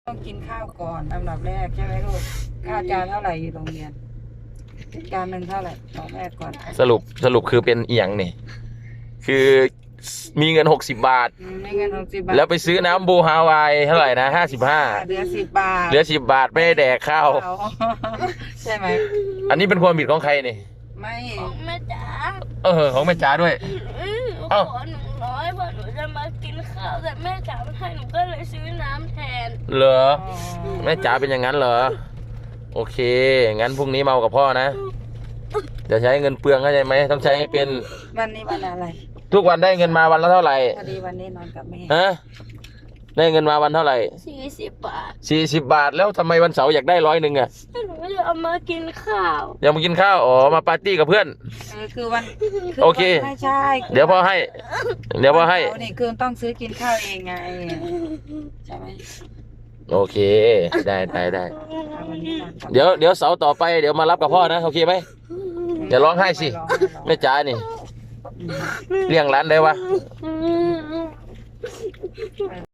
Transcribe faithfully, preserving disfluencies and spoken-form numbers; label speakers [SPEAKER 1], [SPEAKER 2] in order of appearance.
[SPEAKER 1] ต้องกินข้าวก่อนอันดับแรกใช่ไหมลูกข้าวจานเท่าไหร่อยู่โรงเรียนจานหนึ่งเท่าไหร่บอกแม่ก่อน
[SPEAKER 2] สรุปสรุปคือเป็นเอียงนี่คือมีเงินหกสิบบาท
[SPEAKER 1] อืมไม่เงินหกสิบบาท
[SPEAKER 2] แล้วไปซื้อน้ำบูฮาวายเท่าไหร่นะห้าสิบห้า
[SPEAKER 1] เหลือสิบบาท
[SPEAKER 2] เหลือสิบบาทไม่ได้แดกข้าว
[SPEAKER 1] เอาใช่ไหม
[SPEAKER 2] อันนี้เป็นความผิดของใครนี่
[SPEAKER 1] ไม่
[SPEAKER 3] ของแม่จ๋า
[SPEAKER 2] เออของแม่จ๋าด้วย
[SPEAKER 3] อืมหนู
[SPEAKER 2] เอ้า
[SPEAKER 3] ขอหนึ่งร้อยเพราะหนูจะมากินข้าวแต่แม่จ๋าไม่ให้หนูก็เลยซื้อน้ำแทน
[SPEAKER 2] เหรอ
[SPEAKER 1] อ๋อ
[SPEAKER 2] แม่จ๋าเป็นอย่างนั้นเหรอโอเคงั้นพรุ่งนี้เมากับพ่อนะจะใช้เงินเปลืองเข้าใจไหมต้องใช้ให้เป็น
[SPEAKER 1] วันนี้วันอะไร
[SPEAKER 2] ทุกวันได้เงินมาวันละเท่าไหร่
[SPEAKER 1] พอดีวันนี้นอนกับแม่
[SPEAKER 2] ฮะได้เงินมาวันเท่าไหร่
[SPEAKER 3] สี่สิบบาท
[SPEAKER 2] สี่สิบบาทแล้วทำไมวันเสาร์อยากได้ร้อยหนึ่งอะ
[SPEAKER 3] หนูจะเอามากินข้าว
[SPEAKER 2] อยากมากินข้าวอ๋อมาปาร์ตี้กับเพื่อน
[SPEAKER 1] เออคือวัน
[SPEAKER 2] โอเค
[SPEAKER 1] วันไม่ใช่คื
[SPEAKER 2] เดี๋ยวพ่อให้ เดี๋ยวพ่อให้
[SPEAKER 1] วันเสาร์นี่คือต้องซื้อกินข้าวเองไงใช่ไหม
[SPEAKER 2] โอเค ได้ได้ได้
[SPEAKER 1] เอาวันนี้นอนกับ
[SPEAKER 2] เดี๋ยวเดี๋ยวเสาร์ต่อไปเดี๋ยวมารับกับพ่อนะโอเคไหม อย่าร้องไห้สิ
[SPEAKER 1] ไม่ร้องไม่ร้อง
[SPEAKER 2] แม่จ๋านี่
[SPEAKER 1] อืม
[SPEAKER 2] เลี้ยงร้านได้วะ
[SPEAKER 3] อืม